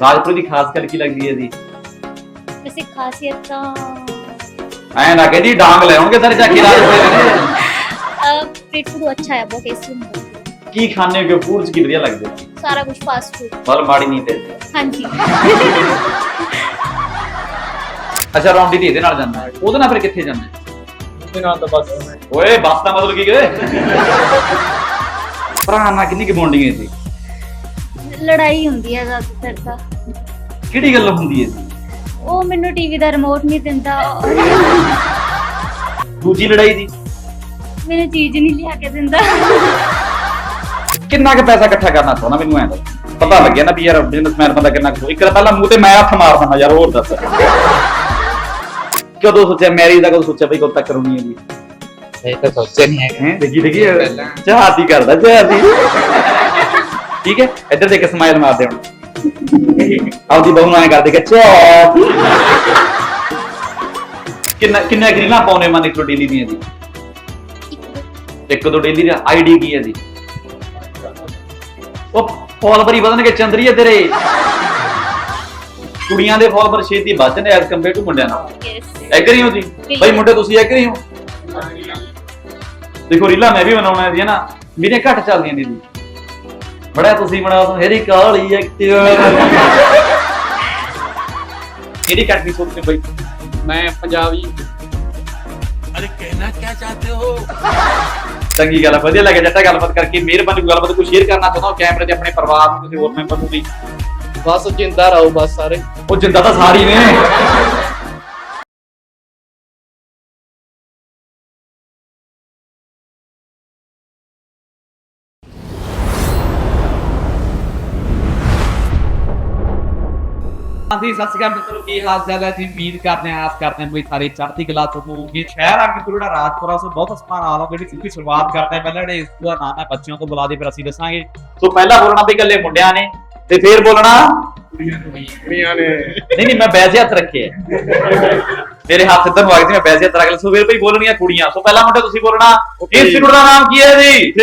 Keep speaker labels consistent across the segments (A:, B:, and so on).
A: ਰਾਜਪੁਰੇ ਦੀ ਖਾਸ ਗੱਲ ਕੀ ਲੱਗਦੀ ਹੈ ਜੀ?
B: वैसे खासियत तो
A: ਐਂ ਨਾ ਕਹਦੀ ਡਾਂਗ ਲੈ ਆਉਣਗੇ ਸਾਰੇ ਚੱਕ ਕੇ ਰਾਜਪੁਰੇ ਦੇ।
B: स्ट्रीट फूड अच्छा है, बहुत टेस्टी होता है।
A: ਕੀ ਖਾਣੇ ਹੋ ਫੂਡ ਚ ਕੀ ਵਧੀਆ ਲੱਗਦਾ?
B: सारा कुछ फास्ट फूड।
A: ਮਤਲਬ ਮਾੜੀ ਨਹੀਂ ਤੇ।
B: हाँ जी।
A: ਅੱਛਾ ਰੌਂਡੀ ਦੀ ਇਹਦੇ ਨਾਲ ਜਾਂਦਾ ਹੈ, ਉਹਦੇ ਨਾਲ ਫਿਰ ਕਿੱਥੇ ਜਾਂਦਾ ਹੈ?
C: ਉਹਦੇ ਨਾਲ ਤਾਂ ਬਸ
A: ਓਏ ਬਸ ਦਾ ਮਤਲਬ ਕੀ ਕਰੇ? ਭਰਾ ਨਾਲ ਕਿੰਨੀ ਕੁ ਬੌਂਡਿੰਗ ਹੈ ਜੀ?
B: ਲੜਾਈ ਹੁੰਦੀ ਹੈ ਜ਼ਿਆਦਾਤਰ ਤਾਂ।
A: ਕਿਹੜੀ ਗੱਲ ਹੁੰਦੀ ਹੈ ਜੀ?
B: ਉਹ ਮੈਨੂੰ ਟੀਵੀ ਦਾ ਰਿਮੋਟ ਨਹੀਂ ਦਿੰਦਾ,
A: ਦੂਜੀ ਲੜਾਈ ਦੀ?
B: ਮੈਨੂੰ ਚੀਜ਼ ਨਹੀਂ ਲਿਆ ਕੇ ਦਿੰਦਾ।
A: ਕਿੰਨਾ ਕੁ ਪੈਸਾ ਇਕੱਠਾ ਕਰਨਾ ਚਾਹੁੰਦਾ ਮੈਨੂੰ ਐਂ ਦੱਸ। ਪਤਾ ਲੱਗਿਆ ਨਾ ਵੀ ਯਾਰ ਬਿਜ਼ਨਸਮੈਨ ਬੰਦਾ ਕਿੰਨਾ ਕੁ, ਇੱਕ ਤਾਂ ਪਹਿਲਾਂ ਮੂੰਹ ਤੇ ਮੈਂ ਹੱਥ ਮਾਰ ਦਿੰਦਾ ਯਾਰ, ਹੋਰ ਦੱਸ ਕਦੋਂ ਸੋਚਿਆ ਮੈਰਿਜ ਦਾ, ਕਦੋਂ ਸੋਚਿਆ ਬਈ ਕਦੋਂ ਤੱਕ ਕਰਨੀ ਹੈ ਜੀ?
C: ਇਹ ਤਾਂ ਸੋਚਿਆ ਨਹੀਂ ਹੈਗਾ।
A: ਹੈ ਦੇਖੀ ਚਾਹਤੀ ਕਰਦਾ ਚਾਹਤੀ। ਠੀਕ ਹੈ ਇੱਧਰ ਦੇਖ ਕੇ ਸਮਾਈਲ ਮਾਰਦੇ ਹੁਣ ਆਪਦੀ ਬਹੂ ਨੂੰ ਐਂ ਕਰਦੇ ਕਿ ਚਾਹ। ਕਿੰਨਾ ਗਰੀਲਾਂ ਪਾਉਣੇ ਮਨ ਇੱਕ ਡੇਲੀ ਦੀਆਂ ਜੀ? ਇੱਕ ਦੋ ਡੇਲੀ ਦਾ ਆਈਡੀ ਕੀ ਹੈ ਜੀ? ਉਹ ਫੋਲੋਵਰ ਹੀ ਵਧਣਗੇ ਚੰਦਰੀਏ ਤੇਰੇ। ਕੁੜੀਆਂ ਦੇ ਫੋਲੋਵਰ ਛੇਤੀ ਵੱਧਦੇ ਨੇ ਐਸ ਕੰਪੇਅਰ ਟੂ ਮੁੰਡਿਆਂ ਨਾਲ। ਐਗਰੀ ਹੋ ਜੀ ਬਈ ਮੁੰਡੇ, ਤੁਸੀਂ ਐਗਰੀ ਹੋ? ਦੇਖੋ ਰੀਲਾ ਮੈਂ ਵੀ ਬਣਾਉਣਾ ਹੈ ਨਾ, ਮੇਰੇ ਘੱਟ ਚੱਲਦੀਆਂ ਨੇ ਜੀ। ਬੜਾ ਤੁਸੀਂ ਬਣਾਓ ਤਾਂ ਮੇਰੀ ਕਾਲੀ ਐਕਟਿਵ। ਕਿਹੜੀ ਕੱਟਣੀ ਸੋਚਦੇ ਬਈ?
C: ਮੈਂ ਪੰਜਾਬੀ।
D: अरे कहना क्या चाहते हो?
A: ਚੰਗੀ ਗੱਲ, ਵਧੀਆ ਲੱਗਿਆ ਜੱਟਾ ਗੱਲਬਾਤ ਕਰਕੇ। ਮਿਹਰਬਾਨੀ ਗੱਲਬਾਤ ਕੋਈ ਸ਼ੇਅਰ ਕਰਨਾ ਚਾਹੁੰਦਾ ਹੋ ਕੈਮਰੇ ਤੇ ਆਪਣੇ ਪਰਿਵਾਰ ਨੂੰ, ਕਿਸੇ ਹੋਰ ਮੈਂਬਰ ਨੂੰ ਵੀ?
C: ਬਸ ਜਿੰਦਾ ਰਹੋ ਬਸ ਸਾਰੇ।
A: ਉਹ ਜਿੰਦਾ ਤਾਂ ਸਾਰੀ ਨੇ।
E: ਹਾਂਜੀ ਸਤਿ ਸ਼੍ਰੀ ਅਕਾਲ ਮਿੱਤਰੋ, ਕੀ ਹਾਲ ਚਾਲ ਹੈ ਜੀ? ਉਮੀਦ ਕਰਦੇ ਹਾਂ, ਆਸ ਕਰਦੇ ਹਾਂ ਵੀ ਸਾਰੇ ਚੜ੍ਹਦੀ ਕਲਾ ਤੋਂ ਹੋਣਗੇ। ਸ਼ਹਿਰ ਆ ਕੇ ਜਿਹੜਾ ਰਾਜਪੁਰਾ ਤੋਂ ਬਹੁਤ ਸਮਾਨ ਆ ਜਿਹੜੀ ਸਿੱਧੀ ਸ਼ੁਰੂਆਤ ਕਰਦੇ ਹਾਂ। ਪਹਿਲਾਂ ਜਿਹੜੇ ਇਸ ਦਾ ਨਾਮ ਹੈ ਬੱਚਿਆਂ ਤੋਂ ਬੁਲਾ ਦੇ, ਫਿਰ ਅਸੀਂ ਦੱਸਾਂਗੇ।
A: ਸੋ ਪਹਿਲਾਂ ਬੋਲਣਾ ਵੀ ਇਕੱਲੇ ਮੁੰਡਿਆਂ ਨੇ ਤੇ ਫਿਰ ਬੋਲਣਾ
C: ਕੁੜੀਆਂ ਨੇ।
A: ਨਹੀਂ ਮੈਂ ਵੈਸੇ ਹੱਥ ਰੱਖੇ ਆ, ਮੇਰੇ ਹੱਥ ਇੱਧਰ ਨੂੰ ਆ ਗਏ ਸੀ, ਮੈਂ ਵੈਸੇ ਹੱਥ ਰੱਖ ਲਿਆ। ਸੋ ਫਿਰ ਭਈ ਬੋਲਣੀਆਂ ਕੁੜੀਆਂ। ਸੋ ਪਹਿਲਾਂ ਮੁੰਡੇ ਤੁਸੀਂ ਬੋਲਣਾ ਇੰਸਟੀਚਿਊਟ ਦਾ ਨਾਮ ਕੀ ਹੈ ਜੀ?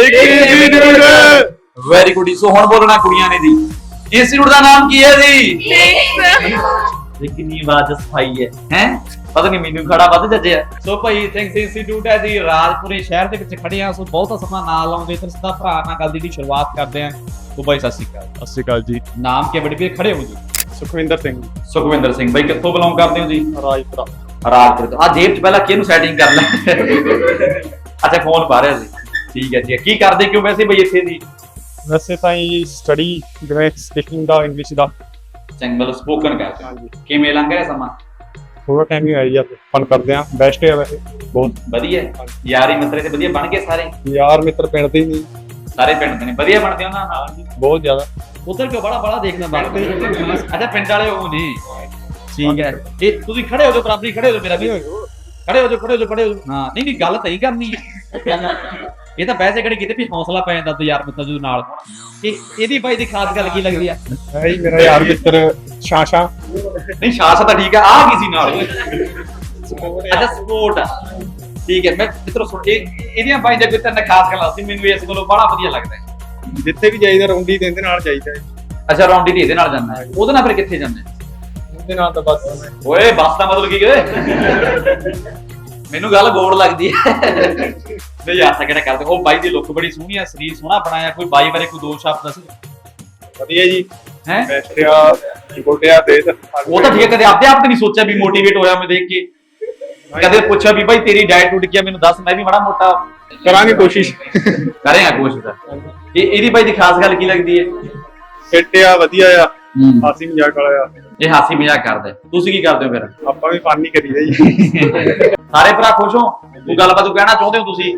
A: Very good. ਸੋ ਹੁਣ ਬੋਲਣਾ ਕੁੜੀਆਂ ਨੇ ਜੀ, ਇੰਸਟੀਚਿਊਟ ਦਾ ਨਾਮ ਕੀ ਹੈ ਜੀ? ਇਹ ਕਿੰਨੀ ਆਵਾਜ਼ ਸਫਾਈ ਹੈ ਪਤਾ ਨਹੀਂ ਮੈਨੂੰ ਖੜਾ ਵੱਧ ਜੱਜਿਆ।
E: ਸੋ ਭਾਈ ਥਿੰਕਸ ਇੰਸਟੀਚਿਊਟ ਹੈ ਜੀ, ਰਾਜਪੁਰੇ ਸ਼ਹਿਰ ਦੇ ਵਿੱਚ ਖੜੇ ਆ। ਸੋ ਬਹੁਤ ਸਮਾਂ ਨਾਲ ਲਾਉਂਦੇ ਤੇ ਸਿੱਧਾ ਭਰਾ ਨਾਲ ਗੱਲ ਦੀ ਸ਼ੁਰੂਆਤ ਕਰਦੇ ਆ। ਸੋ ਭਾਈ ਸਤਿ ਸ਼੍ਰੀ ਅਕਾਲ।
C: ਸਤਿ ਸ਼੍ਰੀ ਅਕਾਲ ਜੀ।
E: ਨਾਮ ਕੀ ਬੜੀ ਵੀ ਖੜੇ ਹੋ ਜੀ?
C: ਸੁਖਵਿੰਦਰ ਸਿੰਘ।
A: ਸੁਖਵਿੰਦਰ ਸਿੰਘ ਬਾਈ ਕਿੱਥੋਂ ਬਿਲੋਂਗ ਕਰਦੇ ਹੋ ਜੀ?
C: ਰਾਜਪੁਰਾ।
A: ਰਾਜਪੁਰੇ ਤੋਂ। ਆ ਜੇਬ ਚ ਪਹਿਲਾਂ ਕਿਹਨੂੰ ਸੈਟਿੰਗ ਕਰ ਲੈ। ਅੱਛਾ ਫੋਨ ਪਾ ਰਿਹਾ ਸੀ, ਠੀਕ ਹੈ ਜੀ। ਕੀ ਕਰਦੇ ਕਿਉਂ ਵੈਸੇ ਬਈ ਇੱਥੇ ਦੀ?
C: ਵੈਸੇ ਤਾਂ ਇਹ ਸਟੱਡੀ ਜਿਵੇਂ ਸਪੀਕਿੰਗ ਦਾ, ਇੰਗਲਿਸ਼ ਦਾ।
A: ਚੰਗਲ ਸਪੋਕਨ ਕਰਦੇ ਹੋ। ਕਿਵੇਂ ਲੰਘ ਰਿਹਾ ਸਮਾਂ?
C: ਥੋੜਾ ਟਾਈਮ ਹੀ ਆਈ ਆ, ਫਨ ਕਰਦੇ ਆ। ਬੈਸਟ ਹੈ ਵੈਸੇ ਬਹੁਤ
A: ਵਧੀਆ। ਯਾਰੀ ਮਿੱਤਰ ਤੇ ਵਧੀਆ ਬਣ ਗਏ ਸਾਰੇ?
C: ਯਾਰ ਮਿੱਤਰ ਪਿੰਡ ਦੇ ਹੀ ਨਹੀਂ,
A: ਸਾਰੇ ਪਿੰਡ ਦੇ ਨੇ ਵਧੀਆ ਬਣਦੇ ਉਹਨਾਂ ਨਾਲ?
C: ਬਹੁਤ ਜ਼ਿਆਦਾ।
E: ਉਧਰ ਕਿਉਂ ਬੜਾ ਦੇਖਣਾ ਬਣਦੇ? ਅੱਛਾ ਪਿੰਡ ਵਾਲੇ ਉਹ ਨਹੀਂ, ਠੀਕ ਹੈ। ਇਹ ਤੁਸੀਂ ਖੜੇ ਹੋ ਜਾਓ, ਬਰਾਬਰੀ ਖੜੇ ਹੋ ਜਾਓ, ਮੇਰਾ ਵੀ ਖੜੇ ਹੋ ਜਾਓ। ਹਾਂ ਨਹੀਂ ਗੱਲ ਤਾਂ ਹੀ ਕਰਨੀ ਹੈ। ਇਹ ਤਾਂ ਵੈਸੇ ਕਿਹੜੀ ਕਿਤੇ ਵੀ ਹੌਸਲਾ ਪੈ ਜਾਂਦਾ ਯਾਰ ਮਿੱਤਰ ਜਦੋਂ ਨਾਲ। ਇਹਦੀ ਬਾਈ ਦੀ ਖਾਸ ਗੱਲ ਕੀ ਲੱਗਦੀ ਆ?
C: ਹੈ ਹੀ ਮੇਰਾ ਯਾਰ ਮਿੱਤਰ ਸ਼ਾਸ਼ਾ।
A: ਨਹੀਂ ਸ਼ਾਸਾ ਤਾਂ ਠੀਕ ਆ ਕੀ ਸੀ ਨਾਲ? ਅੱਛਾ ਸਪੋਰਟ, ਠੀਕ ਹੈ। ਮੈਂ ਮਿੱਤਰੋ ਸੁਣ ਇਹਦੀਆਂ ਬਾਈ ਦੇ ਮਿੱਤਰ ਨੇ ਖਾਸ ਗੱਲਾਂ ਸੀ, ਮੈਨੂੰ ਇਸ ਕੋਲੋਂ ਬੜਾ ਵਧੀਆ ਲੱਗਦਾ ਹੈ।
C: ਜਿੱਥੇ ਵੀ ਜਾਈਦਾ ਰੌਂਡੀ ਤੇ ਇਹਦੇ ਨਾਲ ਜਾਈਦਾ।
A: ਅੱਛਾ ਰੌਂਡੀ ਦੀ ਇਹਦੇ ਨਾਲ ਜਾਂਦਾ ਹੈ, ਉਹਦੇ ਨਾਲ ਫਿਰ ਕਿੱਥੇ ਜਾਂਦੇ?
C: ਉਹਦੇ ਨਾਲ ਤਾਂ ਬਸ
A: ਓਏ ਬਸ ਦਾ ਮਤਲਬ ਕੀ ਕਰੇ? ਮੈਨੂੰ ਗੱਲ ਗੋੜ ਲੱਗਦੀ ਹੈ। ਨਹੀਂ ਯਾਰ ਤਾਂ ਕਿਹੜਾ ਕਰਦੇ। ਉਹ ਬਾਈ ਦੀ ਲੁੱਕ ਬੜੀ ਸੋਹਣੀ ਆ, ਸਰੀਰ ਸੋਹਣਾ ਬਣਾਇਆ। ਕੋਈ ਬਾਈ ਬਾਰੇ ਕੋਈ ਦੋ ਸ਼ਬਦ ਦੱਸ।
C: ਵਧੀਆ ਜੀ।
A: ਹੈ
C: ਬੈਸਟਿਆ ਗੋਡਿਆ ਤੇ
A: ਉਹ ਤਾਂ ਠੀਕ ਹੈ। ਕਦੇ ਆਪਦੇ ਆਪ ਤੇ ਨਹੀਂ ਸੋਚਿਆ ਵੀ ਮੋਟੀਵੇਟ ਹੋਇਆ ਮੈਂ ਦੇਖ ਕੇ? ਕਦੇ ਪੁੱਛਿਆ ਵੀ ਬਾਈ ਤੇਰੀ ਡਾਈਟ ਟੁੱਟ ਗਿਆ, ਮੈਨੂੰ ਦੱਸ, ਮੈਂ ਵੀ ਮਾੜਾ ਮੋਟਾ
C: ਕਰਾਂਗੇ ਕੋਸ਼ਿਸ਼।
A: ਕਰਾਂਗਾ ਕੋਸ਼ਿਸ਼। ਇਹਦੀ ਬਾਈ ਦੀ ਖਾਸ ਗੱਲ ਕੀ ਲੱਗਦੀ ਹੈ?
C: ਫਿੱਟ ਆ, ਵਧੀਆ ਆ, ਹਾਸੀ ਮਜ਼ਾਕ ਵਾਲਾ ਆ।
A: ਇਹ ਹਾਸੀ ਮਜ਼ਾਕ ਕਰਦਾ। ਤੁਸੀਂ ਕੀ ਕਰਦੇ ਹੋ ਫਿਰ?
C: ਆਪਾਂ ਵੀ ਫਨ ਹੀ ਕਰੀਦਾ ਜੀ।
A: ਸਾਰੇ ਭਰਾ ਖੁਸ਼ ਹੋ? ਕੋਈ ਗੱਲਬਾਤ ਕਹਿਣਾ ਚਾਹੁੰਦੇ ਹੋ ਤੁਸੀਂ?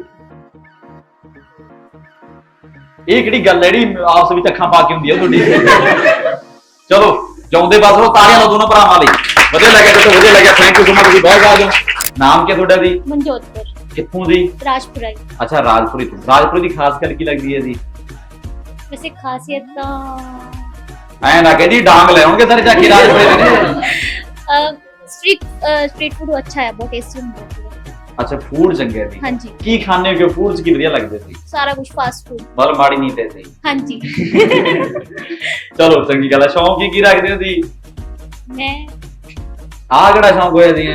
A: ਇਹ ਕਿਹੜੀ ਗੱਲ ਹੈ ਜਿਹੜੀ ਆਪਸ ਵਿੱਚ ਅੱਖਾਂ ਪਾ ਕੇ ਹੁੰਦੀ ਹੈ ਤੁਹਾਡੀ? ਚਲੋ ਜਾਉਂਦੇ ਬਸ ਉਹ ਤਾਲੀਆਂ ਲਾਓ ਦੋਨੋਂ ਭਰਾਵਾਂ ਲਈ। ਵਧੀਆ ਲੱਗਿਆ ਤੇ ਵਧੀਆ ਲੱਗਿਆ। Thank you so much. ਤੁਸੀਂ ਬਹੁਤ ਆ। ਨਾਮ ਕੀ ਤੁਹਾਡਾ ਜੀ?
B: ਮਨਜੋਤ ਕੌਰ।
A: ਕਿੱਥੋਂ ਜੀ?
B: ਰਾਜਪੁਰਾ।
A: ਅੱਛਾ ਰਾਜਪੁਰੇ ਤੋਂ। ਰਾਜਪੁਰੇ ਦੀ ਖਾਸ ਗੱਲ ਕੀ ਲੱਗਦੀ ਹੈ ਜੀ?
B: वैसे खासियत तो
A: ਐਂ ਨਾ ਕਹਦੀ ਡਾਂਗ ਲੈ ਆਉਣਗੇ ਸਾਰੇ ਚੱਕ ਕੇ ਰਾਜਪੁਰੇ ਦੇ।
B: स्ट्रीट फूड अच्छा है, बहुत टेस्टी होता है।
A: ਅੱਛਾ ਫੂਡ ਚੰਗੇ ਸੀ
B: हाँ जी
A: ਕੀ ਖਾਣੇ ਹੋ ਫੂਡ ਚ ਕੀ ਵਧੀਆ ਲੱਗਦੇ ਸੀ
B: सारा कुछ फास्ट फूड
A: ਬਲ ਮਾੜੀ ਨਹੀਂ ਤੇ ਸੀ
B: हाँ जी
A: ਚਲੋ ਚੰਗੀ ਗੱਲ ਹੈ ਸ਼ੌਂਕ ਕੀ ਰੱਖਦੇ ਹੋ ਸੀ
B: मैं
A: ਆਹ ਕਿਹੜਾ ਸ਼ੌਂਕ ਹੋਇਆ ਸੀ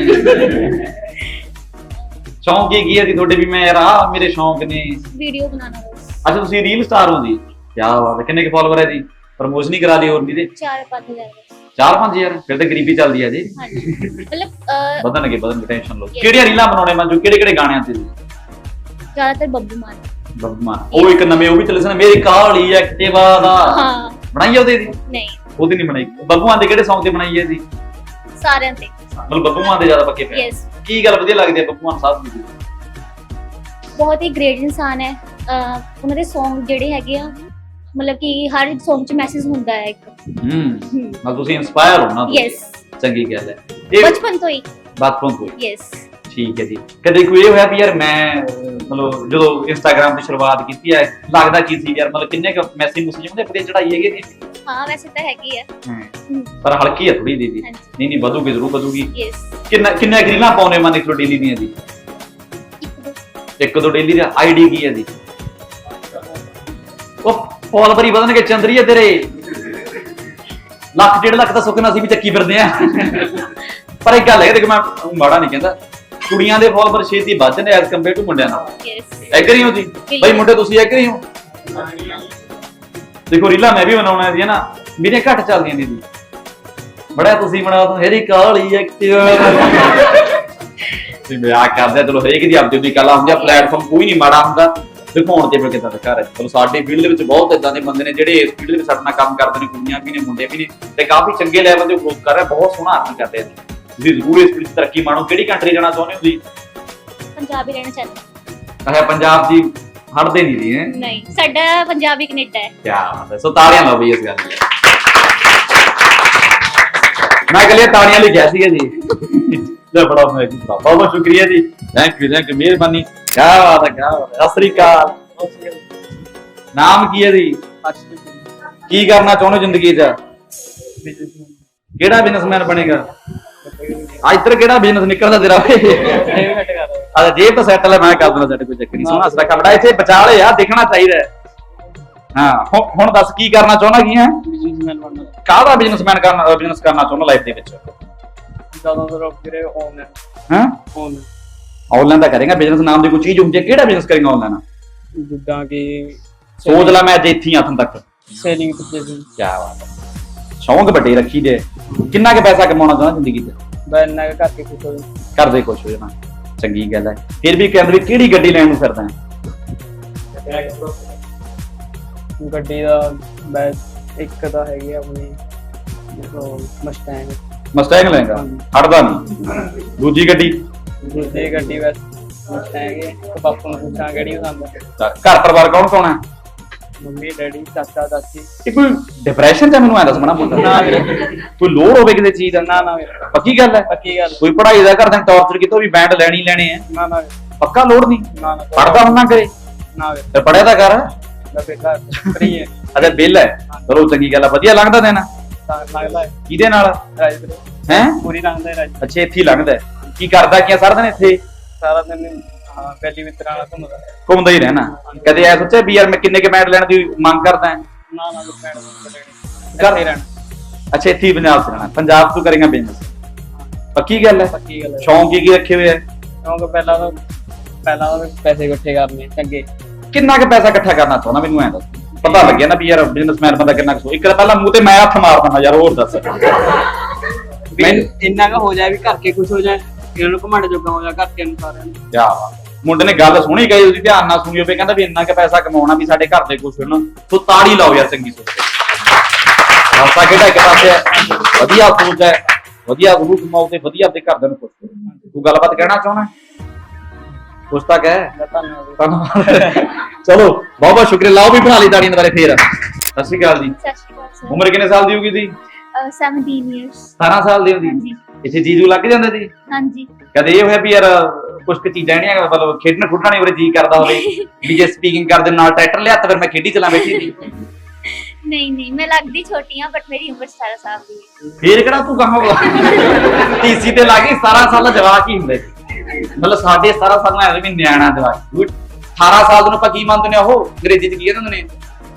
A: ਸ਼ੌਂਕ ਕੀ ਹੈ ਜੀ ਤੁਹਾਡੇ ਵੀ ਮੈਂ ਯਾਰ ਆਹ ਮੇਰੇ ਸ਼ੌਂਕ ਨੇ
B: वीडियो बनाना बस
A: ਅੱਛਾ ਤੁਸੀਂ ਰੀਲ ਸਟਾਰ ਹੋ ਜੀ ਕੀ ਬਾਤ ਹੈ ਕਿੰਨੇ ਕੇ ਫਾਲੋਅਰ ਹੈ ਜੀ ਪ੍ਰਮੋਸ਼ਨ ਹੀ ਕਰਾ ਲਈ ਹੋਰ ਨਹੀਂ ਤੇ
B: 4-5 हज़ार बस
A: 4-5000 ਫਿਰ ਤਾਂ ਗਰੀਬੀ ਚੱਲਦੀ ਹੈ ਜੀ
B: हाँ जी मतलब
A: ਵਧਣਗੇ ਟੈਨਸ਼ਨ ਲਓ ਕਿਹੜੀਆਂ ਰੀਲਾਂ ਬਣਾਉਣੇ ਮੰਜੂ ਕਿਹੜੇ ਗਾਣਿਆਂ ਤੇ ਜੀ
B: ज्यादातर बब्बू मान
A: ਬੱਬੂਮਾਨ ਉਹ ਇੱਕ ਨਵੇਂ ਉਹ ਵੀ ਚੱਲੇ ਸਨ ਮੇਰੀ ਕਾਲੀ ਐਕਟਿਵਾ ਦਾ
B: हाँ
A: ਬਣਾਈ ਉਹਦੇ ਦੀ
B: नहीं
A: ਉਹਦੀ ਨਹੀਂ ਬਣਾਈ ਬੱਬੂਮਾਨ ਦੇ ਕਿਹੜੇ Song ਤੇ ਬਣਾਈ ਹੈ ਜੀ
B: सारे ते
A: ਮਤਲਬ ਬੱਬੂਮਾਨ ਦੇ ਜ਼ਿਆਦਾ ਪੱਕੇ ਪਏ
B: यस
A: ਕੀ ਗੱਲ ਵਧੀਆ ਲੱਗਦੀ ਹੈ ਬੱਬੂਮਾਨ ਸਾਹਿਬ ਦੀ
B: ਬਹੁਤ ਹੀ ਗ੍ਰੇਟ ਇਨਸਾਨ ਹੈ ਉਹਨਾਂ ਦੇ Song ਜਿਹੜੇ ਹੈਗੇ ਆ ਮਤਲਬ ਕਿ ਹਰ Song 'ਚ ਮੈਸੇਜ ਹੁੰਦਾ ਹੈ ਇੱਕ
A: ਮਤਲਬ ਤੁਸੀਂ ਇਨਸਪਾਇਰ ਹੋ ਨਾ
B: ਯੈਸ
A: ਚੰਗੀ ਗੱਲ ਹੈ ਇਹ
B: ਬਚਪਨ ਤੋਂ ਹੀ
A: ਬਚਪਨ ਤੋਂ ਹੀ
B: ਯੈਸ
A: ਠੀਕ ਹੈ ਜੀ ਕਦੇ ਕੋਈ ਇਹ ਹੋਇਆ ਵੀ ਯਾਰ ਮੈਂ ਮਤਲਬ ਜਦੋਂ ਇੰਸਟਾਗ੍ਰਾਮ ਦੀ ਸ਼ੁਰੂਆਤ ਕੀਤੀ ਹੈ ਲੱਗਦਾ ਕੀ ਸੀ ਯਾਰ ਮਤਲਬ ਕਿੰਨੇ ਕੁ ਮੈਸੇਜ ਹੁੰਦੇ ਵਧੀਆ ਚੜਾਈ ਹੈਗੀ ਜੀ
B: ਹਾਂ ਵੈਸੇ ਤਾਂ ਹੈਗੀ ਹੈ
A: ਪਰ ਹਲਕੀ ਹੈ ਥੋੜੀ ਦੀਦੀ
B: ਹਾਂਜੀ।
A: ਨਹੀਂ ਨਹੀਂ ਵਧੂਗੀ ਜ਼ਰੂਰ ਵਧੂਗੀ
B: ਯੈਸ
A: ਕਿੰਨੇ ਰੀਲਾਂ ਪਾਉਣੇ ਮਨ ਇੱਕ ਡੇਲੀ ਦੀਆਂ ਜੀ ਇੱਕ ਦੋ ਡੇਲੀ ਦਾ ਆਈਡੀ ਕੀ ਹੈ ਜੀ ਉਹ ਫੋਲੋਵਰ ਹੀ ਵਧਣਗੇ ਚੰਦਰੀਏ ਤੇਰੇ ਲੱਖ 1.5 ਲੱਖ ਦਾ ਸੁੱਕਣਾ ਸੀ ਵੀ ਚੱਕੀ ਫਿਰਦੇ ਆ ਪਰ ਇੱਕ ਗੱਲ ਹੈ ਦੇਖ ਮੈਂ ਮਾੜਾ ਨਹੀਂ ਕਹਿੰਦਾ ਕੁੜੀਆਂ ਦੇ ਫੋਲੋਵਰ ਛੇਤੀ ਵੱਧ ਨੇ ਐਸ ਕੰਪੇਅਰ ਟੂ ਮੁੰਡਿਆਂ ਨਾਲ
B: ਯੈਸ
A: ਐਗਰੀ ਹੋ ਜੀ ਬਈ ਮੁੰਡੇ ਤੁਸੀਂ ਐਗਰੀ ਹੋ ਦੇਖੋ ਰੀਲਾਂ ਮੈਂ ਵੀ ਬਣਾਉਣਾ ਸੀ ਨਾ ਮੇਰੀਆਂ ਘੱਟ ਚੱਲਦੀਆਂ ਦੀਦੀ ਬੜਾ ਤੁਸੀਂ ਬਣਾਓ ਹੈਰੀ ਕਾਲੀ ਐਕਟਿਵ ਤੇ ਮੈਂ ਆ ਕਰਦਾ ਚਲੋ ਹਰੇਕ ਦੀ ਆਪਦੀ ਕਲਾ ਹੁੰਦੀ ਆ ਪਲੇਟਫਾਰਮ ਕੋਈ ਨਹੀਂ ਮਾੜਾ ਹੁੰਦਾ ਦਿਖਾਉਣ ਤੇ ਕਿਦਾਂ ਦਾ ਘਰ ਹੈ ਚਲੋ ਸਾਡੇ ਫੀਲਡ ਦੇ ਵਿੱਚ ਬਹੁਤ ਇਦਾਂ ਦੇ ਬੰਦੇ ਨੇ ਜਿਹੜੇ ਇਸ ਫੀਲਡ ਦੇ ਵਿੱਚ ਸਾਡੇ ਨਾਲ ਕੰਮ ਕਰਦੇ ਨੇ ਕੁੜੀਆਂ ਵੀ ਨੇ ਮੁੰਡੇ ਵੀ ਨੇ ਤੇ ਕਾਫੀ ਚੰਗੇ ਲੈਵਲ ਤੇ ਗਰੋਥ ਕਰ ਰਹੇ ਬਹੁਤ ਸੋਹਣਾ ਅਰਨ ਕਰਦੇ ਨੇ ਤੁਸੀਂ ਜ਼ਰੂਰ ਇਸ ਫੀਲਡ 'ਚ ਤਰੱਕੀ ਮਾਣੋ ਕਿਹੜੀ ਕੰਟਰੀ ਜਾਣਾ ਚਾਹੁੰਦੇ ਹੋ ਜੀ
B: ਪੰਜਾਬੀ ਰਹਿਣਾ ਚਾਹੁੰਦਾ
A: ਅੱਛਾ ਪੰਜਾਬ ਦੀ ਹਟਦੇ ਨਹੀਂ ਜੀ ਹੈ
B: ਨਹੀਂ ਸਾਡਾ ਪੰਜਾਬੀ ਕੈਨੇਡਾ ਹੈ
A: ਕੀ ਬਾਤ ਹੈ ਸੋ ਤਾੜੀਆਂ ਲਾਓ ਬਈ ਇਸ ਗੱਲ ਲਈ ਮੈਂ ਕਹ ਲਿਆ ਤਾੜੀਆਂ ਲਈ ਗਿਆ ਸੀਗਾ ਜੀ ਲੈ ਬੜਾ ਮੈਂ ਬਹੁਤ ਬਹੁਤ ਸ਼ੁਕਰੀਆ ਜੀ ਥੈਂਕ ਯੂ ਮਿਹਰਬਾਨੀ ਕੀ ਬਾਤ ਹੈ ਕੀ ਬਾਤ ਹੈ ਸਤਿ ਸ੍ਰੀ ਅਕਾਲ ਨਾਮ ਕੀ ਹੈ ਜੀ ਕੀ ਕਰਨਾ ਚਾਹੁੰਦੇ ਹੋ ਜ਼ਿੰਦਗੀ 'ਚ ਕਿਹੜਾ ਬਿਜ਼ਨਸਮੈਨ ਬਣੇਗਾ ਅੱਜ ਤੱਕ ਕਿਹੜਾ ਬਿਜ਼ਨਸ ਨਿਕਲਦਾ ਤੇਰਾ ਆ ਜੇਬ ਤਾਂ ਸੈਟਲ ਹੈ ਮੈਂ ਕਰ ਦਿੰਦਾ ਸਾਡੇ ਕੋਈ ਚੱਕਰ ਨਹੀਂ ਸੋਹਣਾ ਸਰਾ ਕਪੜਾ ਇੱਥੇ ਬਚਾ ਲਿਆ ਦਿਖਣਾ ਚਾਹੀਦਾ ਹਾਂ ਹੁਣ ਦੱਸ ਕੀ ਕਰਨਾ ਚਾਹੁੰਦਾ ਕੀ ਹੈ
C: ਬਿਜ਼ਨਸਮੈਨ ਬਣਨਾ
A: ਕਾਹਦਾ ਬਿਜ਼ਨਸ ਕਰਨਾ ਚਾਹੁੰਦਾ ਲਾਈਫ ਦੇ ਵਿੱਚ
C: ਜ਼ਿਆਦਾਤਰ ਵੀਰੇ ਆਨਲਾਈਨ
A: ਹਾਂ
C: ਆਨਲਾਈਨ
A: ਆਨਲਾਈਨ ਦਾ ਕਰੇਗਾ ਬਿਜ਼ਨਸ ਨਾਮ ਦੀ ਕੋਈ ਚੀਜ਼ ਹੁੰਦੀ ਹੈ ਕਿਹੜਾ ਬਿਜ਼ਨਸ ਕਰੇਗਾ ਆਨਲਾਈਨ
C: ਜਿੱਦਾਂ ਕਿ
A: ਸੋਚ ਲੈ ਮੈਂ ਅੱਜ ਇੱਥੇ ਹੀ ਹੱਥੋਂ ਤੱਕ
C: ਸੇਲਿੰਗ ਪਰਚੇਸਿੰਗ
A: ਕੀ ਬਾਤ ਹੈ ਸ਼ੌਂਕ ਵੱਡੇ ਰੱਖੀ ਦੇ ਕਿੰਨਾ ਕੁ ਪੈਸਾ ਕਮਾਉਣਾ ਚਾਹੁੰਦਾ ਜ਼ਿੰਦਗੀ 'ਚ
C: ਬੈਨਾ ਕਰਕੇ ਕੁਝ ਹੋ
A: ਕਰਦੇ ਕੁਛ ਹੋ ਜਾਣਾ ਚੰਗੀ ਗੱਲ ਹੈ ਫਿਰ ਵੀ ਕਹਿੰਦੇ ਵੀ ਕਿਹੜੀ ਗੱਡੀ ਲੈਣ ਨੂੰ ਫਿਰਦਾ ਹੈ
C: ਗੱਡੀ ਦਾ ਬੈਸ ਇੱਕ ਤਾਂ ਹੈਗੀ ਆਪਣੀ ਮਸਟੈਂਗ
A: ਮਸਟੈਂਗ ਲੈਂਗਾ ਹਟਦਾ ਨਹੀਂ ਦੂਜੀ ਗੱਡੀ
C: ਦੂਜੀ ਗੱਡੀ ਬਸ ਮਸਟੈਂਗ ਹੈ ਤੇ ਬਾਪੂ ਨੂੰ ਪੁੱਛਾਂ ਕਿਹੜੀ ਪਸੰਦ ਹੈ
A: ਘਰ ਪਰਿਵਾਰ ਕੌਣ ਕੌਣ ਹੈ
C: ਮੰਮੀ ਡੈਡੀ ਚਾਚਾ ਚਾਚੀ
A: ਇਹ ਕੋਈ ਡਿਪਰੈਸ਼ਨ ਚ ਮੈਨੂੰ ਐ ਦੱਸ ਮਣਾ ਪੁੱਤ
C: ਨਾ ਵੀਰੇ
A: ਕੋਈ ਲੋੜ ਹੋਵੇ ਕਿਸੇ ਚੀਜ਼ ਦਾ
C: ਨਾ ਨਾ ਵੀਰੇ
A: ਪੱਕੀ ਗੱਲ ਹੈ
C: ਪੱਕੀ ਗੱਲ
A: ਕੋਈ ਪੜ੍ਹਾਈ ਦਾ ਕਰਦਾ ਟੌਰਚਰ ਕੀਤਾ ਵੀ ਬੈਂਡ ਲੈਣੀ ਲੈਣੇ ਆ
C: ਨਾ ਨਾ
A: ਪੱਕਾ ਲੋੜ ਨਹੀਂ
C: ਨਾ ਨਾ
A: ਪੜਦਾ ਹੁੰਨਾ ਕਰੇ
C: ਨਾ ਵੀਰੇ
A: ਤੇ ਪੜਿਆ ਤਾਂ ਕਰ
C: ਬੇਟਾ ਫਰੀ ਹੈ
A: ਅਜੇ ਬਿੱਲ ਹੈ ਚਲੋ ਚੰਗੀ ਗੱਲ ਆ ਵਧੀਆ ਲੰਘਦਾ ਦੇਣਾ
C: ਤਾਂ ਲੱਗਦਾ ਹੈ
A: ਕਿਹਦੇ ਨਾਲ
C: ਰਾਜ ਵੀਰੇ
A: ਹੈ
C: ਪੂਰੀ ਲੰਘਦਾ ਹੈ ਰਾਜ
A: ਅੱਛਾ ਇੱਥੇ ਹੀ ਲੰਘਦਾ ਹੈ। ਕੀ ਕਰਦਾ ਕੀ ਆ ਸਾਰਾ ਦਿਨ ਇੱਥੇ
C: ਸਾਰਾ ਦਿਨ ਪਹਿਲੀ ਮਿੱਤਰਾਂ ਨਾਲ ਘੁੰਮਦਾ
A: ਘੁੰਮਦਾ ਹੀ ਰਹਿਣਾ ਕਦੇ ਐ ਸੋਚਿਆ ਵੀ ਯਾਰ ਮੈਂ ਕਿੰਨੇ ਕੇ ਬੈਂਡ ਲੈਣ ਦੀ ਮੰਗ ਕਰਦਾ ਹਾਂ
C: ਨਾ ਨਾ ਭੈਣ ਕਰ ਰਹਿਣਾ
A: ਅੱਛਾ ਇੱਥੇ ਹੀ ਪੰਜਾਬ ਚ ਰਹਿਣਾ ਪੰਜਾਬ ਤੋਂ ਕਰੇਗਾ ਬਿਜ਼ਨਸ ਪੱਕੀ ਗੱਲ ਹੈ
C: ਪੱਕੀ ਗੱਲ ਹੈ
A: ਸ਼ੌਂਕ ਕੀ ਰੱਖੇ ਹੋਏ ਆ
C: ਕਿਉਂਕਿ ਪਹਿਲਾਂ ਤਾਂ ਪੈਸੇ ਇਕੱਠੇ ਕਰਨੇ ਚੰਗੇ
A: ਕਿੰਨਾ ਕੁ ਪੈਸਾ ਇਕੱਠਾ ਕਰਨਾ ਚਾਹੁੰਦਾ ਮੈਨੂੰ ਐਂ ਦੱਸ ਪਤਾ ਲੱਗਿਆ ਨਾ ਵੀ ਯਾਰ ਬਿਜ਼ਨਸਮੈਨ ਬੰਦਾ ਕਿੰਨਾ ਕੁ ਇੱਕ ਤਾਂ ਪਹਿਲਾਂ ਮੂੰਹ ਤੇ ਮੈਂ ਹੱਥ ਮਾਰ ਦਿੰਦਾ ਯਾਰ ਹੋਰ ਦੱਸ
C: ਇੰਨਾ ਕੁ ਹੋ ਜਾਏ ਵੀ ਘਰ ਕੇ ਕੁਝ ਹੋ ਜਾਏ ਇਹਨਾਂ ਨੂੰ ਘਮਾੜੇ ਜੋਗਾ ਹੋ ਜਾ ਘਰ ਕੇ ਨੂੰ ਸਾਰਿਆਂ ਨੂੰ
A: ਕਿਆ ਬਾਤ ਮੁੰਡੇ ਨੇ ਗੱਲ ਸੁਣੀ ਗਈ ਉਹਦੀ ਧਿਆਨ ਨਾਲ ਸੁਣੀ ਹੋਵੇ ਕਹਿੰਦਾ ਵੀ ਇੰਨਾ ਕੁ ਪੈਸਾ ਕਮਾਉਣਾ ਵੀ ਸਾਡੇ ਘਰ ਦੇ ਕੁਛ ਹੋਣ ਤੂੰ ਤਾੜੀ ਲਾਓ ਯਾਰ ਚੰਗੀ ਸੋਚ ਰਸਤਾ ਕਿਹੜਾ ਇੱਕ ਪਾਸੇ ਹੈ ਵਧੀਆ ਸੋਚ ਹੈ ਵਧੀਆ ਗੁਰੂ ਕਮਾਓ ਤੇ ਵਧੀਆ ਆਪਣੇ ਘਰ ਦੇ ਨੂੰ ਖੁਸ਼ ਕਰੋ ਤੂੰ ਗੱਲਬਾਤ ਕਹਿਣਾ ਚਾਹੁੰਦਾ ਕੁਛ ਤਾਂ ਕਹਿ ਧੰਨਵਾਦ ਚਲੋ ਬਹੁਤ ਬਹੁਤ ਸ਼ੁਕਰੀਆ ਲਾਓ ਵੀ ਬਣਾ ਲਈ ਤਾੜੀਆਂ ਦੁਬਾਰੇ ਫੇਰ ਸਤਿ ਸ਼੍ਰੀ ਅਕਾਲ ਜੀ
B: ਸਤਿ ਸ਼੍ਰੀ ਅਕਾਲ ਸਰ
A: ਉਮਰ ਕਿੰਨੇ ਸਾਲ ਦੀ ਹੋਗੀ ਜੀ
B: 17 years
A: 17 ਸਾਲ ਦੀ ਹੁੰਦੀ
B: ਹਾਂਜੀ
A: ਇੱਥੇ ਜੀਜੂ ਲੱਗ ਜਾਂਦਾ ਜੀ
B: ਹਾਂਜੀ
A: ਕਦੇ ਇਹ ਹੋਇਆ ਵੀ ਯਾਰ ਕੁਝ ਕੁ ਚੀਜ਼ਾਂ ਜਿਹੜੀਆਂ ਮਤਲਬ ਖੇਡਣ ਖੁੱਡਣ ਨਹੀਂ ਉਰੇ ਜੀ ਕਰਦਾ ਹੋਵੇ ਵੀ ਜੇ ਸਪੀਕਿੰਗ ਕਰਦੇ ਨਾਲ ਟਰੈਕਟਰ ਲਿਆ ਤਾਂ ਫਿਰ ਮੈਂ ਖੇਡੀ ਚਲਾ ਬੈਠੀ ਸੀ
B: ਨਹੀਂ ਨਹੀਂ ਮੈਂ ਲੱਗਦੀ ਛੋਟੀ ਹਾਂ ਬਟ ਮੇਰੀ ਉਮਰ 17 ਸਾਲ ਦੀ ਹੈ
A: ਫੇਰ ਕਿਹੜਾ ਤੂੰ ਕਹਾਂ ਟੀਸੀ ਤੇ ਲੱਗੀ 17 ਸਾਲ ਦਾ ਜਵਾਕ ਹੀ ਹੁੰਦਾ ਮਤਲਬ ਸਾਡੇ 17 ਸਾਲ ਨਾਲ ਵੀ ਨਿਆਣਾ ਜਵਾਕ 18 ਸਾਲ ਨੂੰ ਆਪਾਂ ਕੀ ਮੰਨਦੇ ਨੇ ਉਹ ਅੰਗਰੇਜ਼ੀ ਚ ਕੀ ਕਹਿੰਦੇ ਨੇ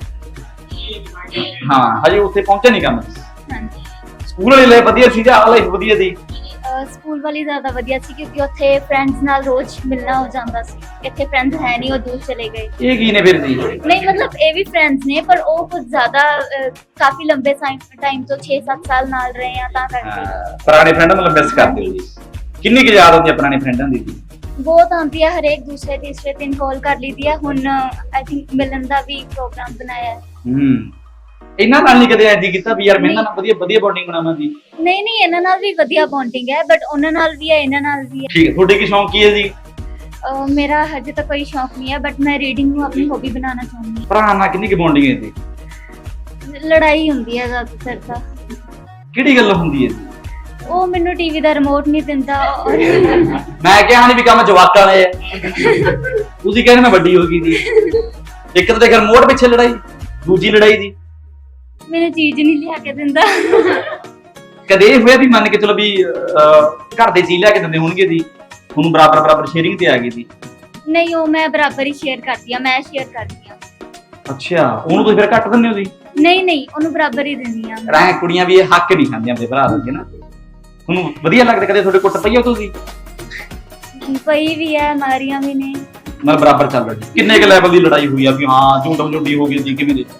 A: ਹਾਂ ਹਜੇ ਉੱਥੇ ਪਹੁੰਚੇ ਨਹੀਂ ਕੰਮ
B: ਹਾਂਜੀ
A: ਸਕੂਲ ਵਾਲੀ ਲਾਈਫ ਵਧੀਆ ਸੀ ਜਾਂ ਲਾਈਫ ਵਧੀਆ ਸੀ
B: ਸਕੂਲ ਵਾਲੀ ਜ਼ਿਆਦਾ ਵਧੀਆ ਸੀ ਕਿਉਂਕਿ ਉੱਥੇ ਫਰੈਂਡਸ ਨਾਲ ਰੋਜ਼ ਮਿਲਣਾ ਹੋ ਜਾਂਦਾ ਸੀ ਇੱਥੇ ਫਰੈਂਡਸ ਹੈ ਨਹੀਂ ਉਹ ਦੂਰ ਚਲੇ ਗਏ
A: ਇਹ ਕੀ ਨੇ ਫਿਰ ਜੀ
B: ਨਹੀਂ ਮਤਲਬ ਇਹ ਵੀ ਫਰੈਂਡਸ ਨੇ ਪਰ ਉਹ ਕੁਝ ਜ਼ਿਆਦਾ ਕਾਫੀ ਲੰਬੇ ਟਾਈਮ ਤੋਂ 6-7 ਸਾਲ ਨਾਲ ਰਹੇ ਆ ਤਾਂ ਕਰਕੇ
A: ਪੁਰਾਣੇ ਫਰੈਂਡਾਂ ਨੂੰ ਮਿਸ ਕਰਦੇ ਹੋ ਜੀ ਕਿੰਨੀ ਕੁ ਯਾਦ ਆਉਂਦੀ ਹੈ ਪੁਰਾਣੇ ਫਰੈਂਡਾਂ ਦੀ ਜੀ
B: ਬਹੁਤ ਆਉਂਦੀ ਹੈ ਹਰੇਕ ਦੂਸਰੇ ਤੀਸਰੇ ਦਿਨ ਕਾਲ ਕਰ ਲਈਦੀ ਹੈ ਹੁਣ ਆਈ ਥਿੰਕ ਮਿਲਣ ਦਾ ਵੀ ਪ੍ਰੋਗਰਾਮ ਬਣਾਇਆ ਹੈ
A: ਇਹਨਾਂ ਨਾਲ ਨਹੀਂ ਕਦੇ ਐਡੀ ਕੀਤਾ ਵੀ ਯਾਰ ਮੈਂ ਇਹਨਾਂ ਨਾਲ ਵਧੀਆ ਵਧੀਆ ਬੌਂਡਿੰਗ ਬਣਾਵਾਂ ਜੀ
B: ਨਹੀਂ ਇਹਨਾਂ ਨਾਲ ਵੀ ਵਧੀਆ ਬੌਂਡਿੰਗ ਹੈ ਬਟ ਉਹਨਾਂ ਨਾਲ ਵੀ ਹੈ ਇਹਨਾਂ ਨਾਲ ਵੀ ਹੈ
A: ਠੀਕ ਹੈ ਤੁਹਾਡੇ ਕੀ ਸ਼ੌਂਕ ਕੀ ਹੈ ਜੀ
B: ਮੇਰਾ ਹਜੇ ਤੱਕ ਕੋਈ ਸ਼ੌਕ ਨਹੀਂ ਹੈ ਬਟ ਮੈਂ ਰੀਡਿੰਗ ਨੂੰ ਆਪਣੀ ਹੌਬੀ ਬਣਾਉਣਾ ਚਾਹੁੰਦੀ
A: ਭਰਾ ਨਾਲ ਕਿੰਨੀ ਕੁ ਬੌਂਡਿੰਗ ਹੈ ਜੀ
B: ਹਾਂ ਲੜਾਈ ਹੁੰਦੀ ਹੈ ਜ਼ਿਆਦਾਤਰ ਤਾਂ
A: ਕਿਹੜੀ ਗੱਲ ਹੁੰਦੀ ਹੈ ਜੀ
B: ਉਹ ਮੈਨੂੰ ਟੀਵੀ ਦਾ ਰਿਮੋਟ ਨਹੀਂ ਦਿੰਦਾ ਔਰ
A: ਮੈਂ ਕਿਹਾ ਨਹੀਂ ਵੀ ਕੰਮ ਜਵਾਕਾਂ ਵਾਲੇ ਆ ਤੁਸੀਂ ਕਹਿੰਦੇ ਮੈਂ ਵੱਡੀ ਹੋ ਗਈ ਜੀ ਇੱਕ ਤਾਂ ਦੇਖ ਰਿਮੋਟ ਪਿੱਛੇ ਲੜਾਈ ਦੂਜੀ ਲੜਾਈ ਦੀ
B: ਮੈਨੂੰ ਚੀਜ਼ ਨਹੀਂ ਲਿਆ ਕੇ ਦਿੰਦਾ
A: ਕਦੇ ਇਹ ਹੋਇਆ ਵੀ ਮੰਨ ਕੇ ਚਲੋ ਵੀ ਘਰ ਦੇ ਚੀਜ਼ ਲਿਆ ਕੇ ਦਿੰਦੇ ਹੋਣਗੇ ਜੀ ਤੁਹਾਨੂੰ ਬਰਾਬਰ ਸ਼ੇਅਰਿੰਗ ਤੇ ਆ ਗਈ ਜੀ
B: ਨਹੀਂ ਉਹ ਮੈਂ ਬਰਾਬਰ ਹੀ ਸ਼ੇਅਰ ਕਰਦੀ ਆ ਮੈਂ ਸ਼ੇਅਰ ਕਰਦੀ ਆ
A: ਅੱਛਾ ਉਹਨੂੰ ਤੁਸੀਂ ਫਿਰ ਘੱਟ ਦਿੰਦੇ ਹੋ ਜੀ
B: ਨਹੀਂ ਉਹਨੂੰ ਬਰਾਬਰ ਹੀ ਦਿੰਦੀ ਆ
A: ਰਾਂ ਕੁੜੀਆਂ ਵੀ ਇਹ ਹੱਕ ਨਹੀਂ ਖਾਂਦੀਆਂ ਆਪਣੇ ਭਰਾ ਦੇ ਨਾ ਤੁਹਾਨੂੰ ਵਧੀਆ ਲੱਗਦਾ ਕਦੇ ਤੁਹਾਡੇ ਕੁੱਟ ਪਈ ਹੋ ਤੁਸੀਂ
B: ਪਈ ਵੀ ਹੈ ਮਾਰੀਆਂ ਵੀ ਨੇ
A: ਮਤਲਬ ਬਰਾਬਰ ਚੱਲ ਰਿਹਾ ਜੀ ਕਿੰਨੇ ਕੁ ਲੈਵਲ ਦੀ ਲੜਾਈ ਹੋਈ ਆ ਵੀ ਹਾਂ ਝੂਠੀ ਹੋ ਗਈ ਜੀ ਕਿਵੇਂ ਦੀ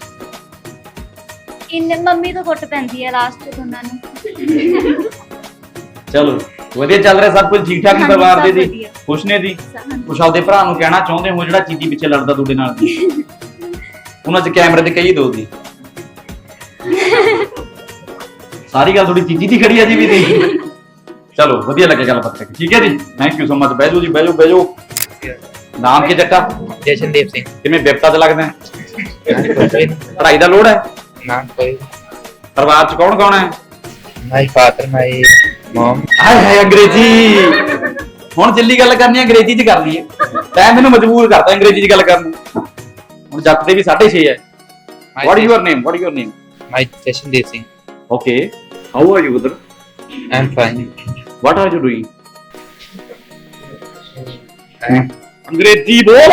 B: ਮੰਮੀ ਤੋਂ ਕੁੱਟ ਪੈਂਦੀ ਹੈ ਲਾਸਟ ਦੋਨਾਂ ਨੂੰ
A: ਚਲੋ ਵਧੀਆ ਚੱਲ ਰਿਹਾ ਸਭ ਕੁਝ ਠੀਕ ਠਾਕ
B: ਹਾਂਜੀ,
A: ਪਰਿਵਾਰ ਦੇ
B: ਸਭ
A: ਜੀ
B: ਵਧੀਆ।
A: ਖੁਸ਼ ਨੇ ਜੀ
B: ਹਾਂਜੀ।
A: ਕੁਛ ਆਪਦੇ ਭਰਾ ਨੂੰ ਕਹਿਣਾ ਚਾਹੁੰਦੇ ਹੋ ਜਿਹੜਾ ਚੀਜ਼ੀ ਪਿੱਛੇ ਲੜਦਾ ਤੁਹਾਡੇ ਨਾਲ ਜੀ ਉਹਨਾਂ 'ਚ ਕੈਮਰੇ ਤੇ ਕਹੀ ਦੋ ਜੀ ਸਾਰੀ ਗੱਲ ਥੋੜੀ ਚੀਜ਼ੀ ਦੀ ਖੜੀ ਆ ਜੀ ਵੀ ਦੀ ਚਲੋ ਵਧੀਆ ਲੱਗਿਆ ਗੱਲਬਾਤ ਕਰਕੇ ਠੀਕ ਹੈ ਜੀ ਥੈਂਕ ਯੂ ਸੋ ਮਚ ਬਹਿ ਜਾਓ ਜੀ ਬਹਿ ਜਾਓ ਨਾਮ ਕੀ ਜੱਟਾ
F: ਜਸ਼ਨਦੀਪ ਸਿੰਘ
A: ਕਿਵੇਂ ਬਿਪਤਾ 'ਚ ਲੱਗਦਾ ਹੈ?
F: ਕੋਈ
A: ਪੜ੍ਹਾਈ ਦਾ ਲੋੜ ਹੈ
F: ਨਾਮ ਕੋਈ
A: ਪਰਿਵਾਰ 'ਚ ਕੌਣ ਹੈ
F: ਮਾਈ ਫਾਦਰ ਮਾਈ ਮਮ
A: ਹਾਏ ਹਾਏ ਅੰਗਰੇਜ਼ੀ ਹੁਣ ਜਿੱਲੀ ਗੱਲ ਕਰਨੀ ਅੰਗਰੇਜ਼ੀ 'ਚ ਕਰ ਲਈਏ ਤੈਂ ਮੈਨੂੰ ਮਜਬੂਰ ਕਰਤਾ ਅੰਗਰੇਜ਼ੀ 'ਚ ਗੱਲ ਕਰਨ ਨੂੰ ਹੁਣ ਜੱਟ ਦੇ ਵੀ 6.5 ਹੈ what is your name
F: my Jashandeep Singh
A: okay how are you brother
F: I am fine
A: what are you doing ਅੰਗਰੇਜ਼ੀ ਬੋਲ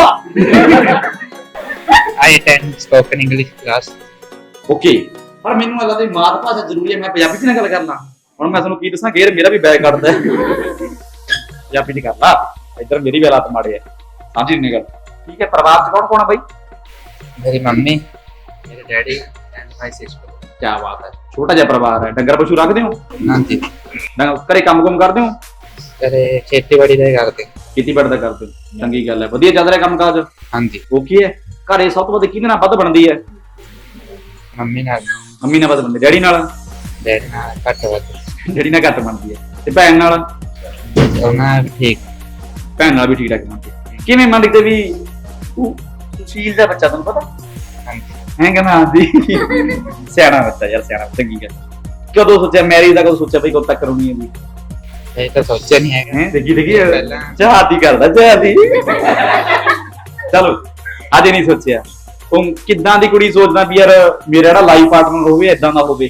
F: I attend spoken English class
A: okay ਪਰ ਮੈਨੂੰ ਲੱਗਦਾ ਦੀ ਮਾਤ ਭਾਸ਼ਾ ਜ਼ਰੂਰੀ ਹੈ ਮੈਂ ਪੰਜਾਬੀ 'ਚ ਨਾ ਗੱਲ ਕਰਨਾ ਹੁਣ ਮੈਂ ਤੁਹਾਨੂੰ ਕੀ ਦੱਸਾਂ ਗੇਰ ਮੇਰਾ ਵੀ ਬੈਗ ਕੱਢਦਾ ਪੰਜਾਬੀ 'ਚ ਕਰ ਲਾ ਇੱਧਰ ਮੇਰੀ ਵੀ ਹਾਲਾਤ ਮਾੜੇ ਆ ਸਮਝੀ ਨਹੀਂ ਗੱਲ ਠੀਕ ਹੈ ਪਰਿਵਾਰ 'ਚ ਕੌਣ ਹੈ ਬਾਈ
F: ਮੇਰੀ ਮੰਮੀ ਮੇਰੇ ਡੈਡੀ ਐਂਡ ਮਾਈ ਸਿਸਟਰ
A: ਕੀ ਬਾਤ ਹੈ ਛੋਟਾ ਜਿਹਾ ਪਰਿਵਾਰ ਹੈ ਡੰਗਰ ਪਸ਼ੂ ਰੱਖਦੇ ਹੋ
F: ਹਾਂਜੀ
A: ਘਰੇ ਕੰਮ ਕਰਦੇ ਹੋ
F: ਕਰੇ ਖੇਤੀਬਾੜੀ ਦਾ ਕਰਦੇ
A: ਖੇਤੀਬਾੜੀ ਦਾ ਕਰਦੇ ਹੋ ਚੰਗੀ ਗੱਲ ਹੈ ਵਧੀਆ ਚੱਲ ਰਿਹਾ ਕੰਮ ਕਾਜ
F: ਹਾਂਜੀ
A: ਉਹ ਕੀ ਹੈ ਘਰੇ ਸਭ ਤੋਂ ਵੱਧ ਕਿਹਦੇ ਨਾਲ ਵੱਧ ਬਣਦੀ ਹੈ
F: ਮੰਮੀ ਨਾਲ
A: ਮੰਮੀ ਨਾਲ ਵੱਧ ਬਣਦੀ ਡੈਡੀ ਨਾਲ
F: ਡੈਡੀ ਨਾਲ ਘੱਟ ਵੱਧ
A: ਡੈਡੀ ਨਾਲ ਘੱਟ ਬਣਦੀ ਹੈ ਤੇ ਭੈਣ ਨਾਲ
F: ਉਹਨਾਂ ਠੀਕ
A: ਭੈਣ ਨਾਲ ਵੀ ਠੀਕ ਠਾਕ ਬਣਦੀ ਹੈ ਕਿਵੇਂ ਮੰਨਦੇ ਵੀ ਤੂੰ ਸੁਸ਼ੀਲ ਦਾ ਬੱਚਾ ਤੁਹਾਨੂੰ ਪਤਾ
F: ਹਾਂਜੀ
A: ਹੈ ਕਹਿੰਦਾ ਹਾਂਜੀ ਸਿਆਣਾ ਬੱਚਾ ਯਾਰ ਸਿਆਣਾ ਚੰਗੀ ਗੱਲ ਕਦੋਂ ਸੋਚਿਆ ਮੈਰਿਜ ਦਾ ਕਦੋਂ ਸੋਚਿਆ ਬਈ ਕਦੋਂ ਤੱਕ ਕਰਉਣੀ ਹੈ ਵੀ
F: ਇਹ ਤਾਂ ਸੋਚਿਆ ਨਹੀਂ ਹੈਗਾ
A: ਹੈ ਦੇਖੀ
F: ਪਹਿਲਾਂ
A: ਚਾਹਤੀ ਕਰਦਾ ਚਾਹਤੀ ਚਲੋ ਅਜੇ ਨਹੀਂ ਸੋਚਿਆ ਤੂੰ ਕਿੱਦਾਂ ਦੀ ਕੁੜੀ ਸੋਚਦਾ ਵੀ ਯਾਰ ਮੇਰਾ ਜਿਹੜਾ ਲਾਈਫ ਪਾਰਟਨਰ ਹੋਵੇ ਏਦਾਂ ਦਾ ਹੋਵੇ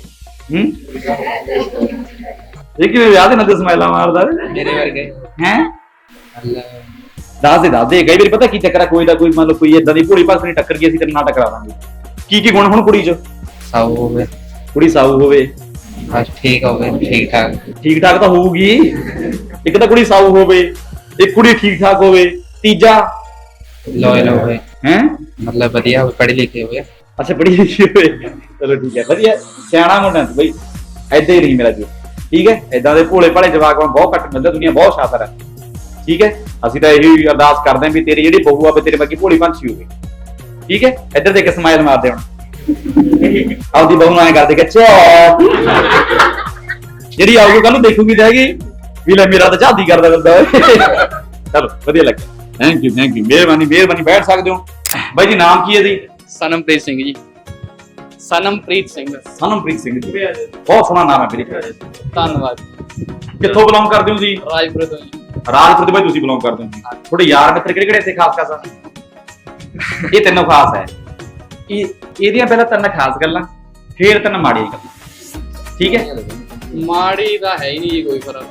A: ਇਹ ਕਿਵੇਂ ਵਿਆਹ ਦੇ ਨਾਲ ਸਮਾਈਲਾਂ ਮਾਰਦਾ
F: ਮੇਰੇ ਵਰਗੇ
A: ਹੈ
F: ਅੱਲਾ
A: ਦੱਸ ਦੇ ਕਈ ਵਾਰੀ ਪਤਾ ਕੀ ਚੱਕਰ ਆ ਕੋਈ ਦਾ ਕੋਈ ਮੰਨ ਲਓ ਕੋਈ ਏਦਾਂ ਦੀ ਭੋਲੀ ਭਾਸਣੀ ਟੱਕਰ ਗਈ ਅਸੀਂ ਤੇਰੇ ਨਾਲ ਟਕਰਾ ਦਾਂਗੇ ਕੀ ਗੁਣ ਹੁਣ ਕੁੜੀ 'ਚ
F: ਸਾਊ ਹੋਵੇ
A: ਕੁੜੀ ਸਾਊ ਹੋਵੇ
F: ਬਸ ਠੀਕ ਹੋਵੇ ਠੀਕ ਠਾਕ
A: ਠੀਕ ਠਾਕ ਤਾਂ ਹੋਊਗੀ ਇੱਕ ਤਾਂ ਕੁੜੀ ਸਾਊ ਹੋਵੇ ਇੱਕ ਕੁੜੀ ਠੀਕ ਠਾਕ ਹੋਵੇ ਤੀਜਾ
F: ਲੋਇਲ ਹੋਵੇ
A: ਹੈ
F: ਮਤਲਬ ਵਧੀਆ ਹੋਵੇ ਪੜ੍ਹੇ ਲਿਖੇ ਹੋਵੇ
A: ਅੱਛਾ ਪੜ੍ਹੀ ਲਿਖੀ ਹੋਵੇ ਚਲੋ ਠੀਕ ਹੈ ਵਧੀਆ ਸਿਆਣਾ ਮੁੰਡਾ ਤੂੰ ਬਈ ਏਦਾਂ ਹੀ ਨਹੀਂ ਮੇਰਾ ਜੀ ਠੀਕ ਹੈ ਏਦਾਂ ਦੇ ਭੋਲੇ ਭਾਲੇ ਜਵਾਕ ਬਹੁਤ ਘੱਟ ਮਿਲਦੇ ਦੁਨੀਆ ਬਹੁਤ ਸ਼ਾਤਰ ਹੈ ਠੀਕ ਹੈ ਅਸੀਂ ਤਾਂ ਇਹੀ ਅਰਦਾਸ ਕਰਦੇ ਹਾਂ ਵੀ ਤੇਰੀ ਜਿਹੜੀ ਬਹੂ ਆਵੇ ਤੇਰੇ ਵਰਗੀ ਭੋਲੀ ਪੰਛੀ ਹੋਵੇ ਠੀਕ ਹੈ ਇੱਧਰ ਦੇਖ ਕੇ ਸਮਾਈਲ ਮਾਰਦੇ ਹੁਣ ਆਪਦੀ ਬਹੂ ਨੂੰ ਐਂ ਕਰਦੇ ਕਿ ਚੋ ਜਿਹੜੀ ਆਊਗੀ ਕੱਲ ਨੂੰ ਦੇਖੂਗੀ ਜਾਏਗੀ ਵੀ ਲੈ ਮੇਰਾ ਤਾਂ ਝਾਦੀ ਕਰਦਾ ਬੰਦਾ ਚਲੋ ਵਧੀਆ ਲੱਗਿਆ ਥੈਂਕ ਯੂ ਮਿਹਰਬਾਨੀ ਬੈਠ ਸਕਦੇ ਹੋ ਬਾਈ ਜੀ ਨਾਮ ਕੀ ਹੈ ਜੀ
C: ਸਨਮਪ੍ਰੀਤ ਸਿੰਘ ਜੀ ਸਨਮਪ੍ਰੀਤ ਸਿੰਘ
A: ਸਨਮਪ੍ਰੀਤ ਸਿੰਘ ਜੀ ਬਹੁਤ ਸੋਹਣਾ ਨਾਮ ਹੈ ਮੇਰੇ
C: ਧੰਨਵਾਦ
A: ਕਿੱਥੋਂ ਬਿਲੋਂਗ ਕਰਦੇ ਹੋ ਜੀ
C: ਰਾਜਪੁਰ ਤੋਂ ਜੀ
A: ਰਾਜਪੁਰ ਦੇ ਬਾਈ ਤੁਸੀਂ ਬਿਲੋਂਗ ਕਰਦੇ ਹੋ ਜੀ ਤੁਹਾਡੇ ਯਾਰ ਮਿੱਤਰ ਕਿਹੜੇ ਕਿਹੜੇ ਇੱਥੇ ਖਾਸ ਇਹ ਤਿੰਨੋਂ ਖਾਸ ਹੈ ਇਹਦੀਆਂ ਪਹਿਲਾਂ ਤਿੰਨ ਖਾਸ ਗੱਲਾਂ ਫਿਰ ਤਿੰਨ ਮਾੜੀਆਂ ਗੱਲਾਂ ਠੀਕ ਹੈ
C: ਮਾੜੀ ਤਾਂ ਹੈ ਹੀ ਨਹੀਂ ਜੀ ਕੋਈ ਫਰਕ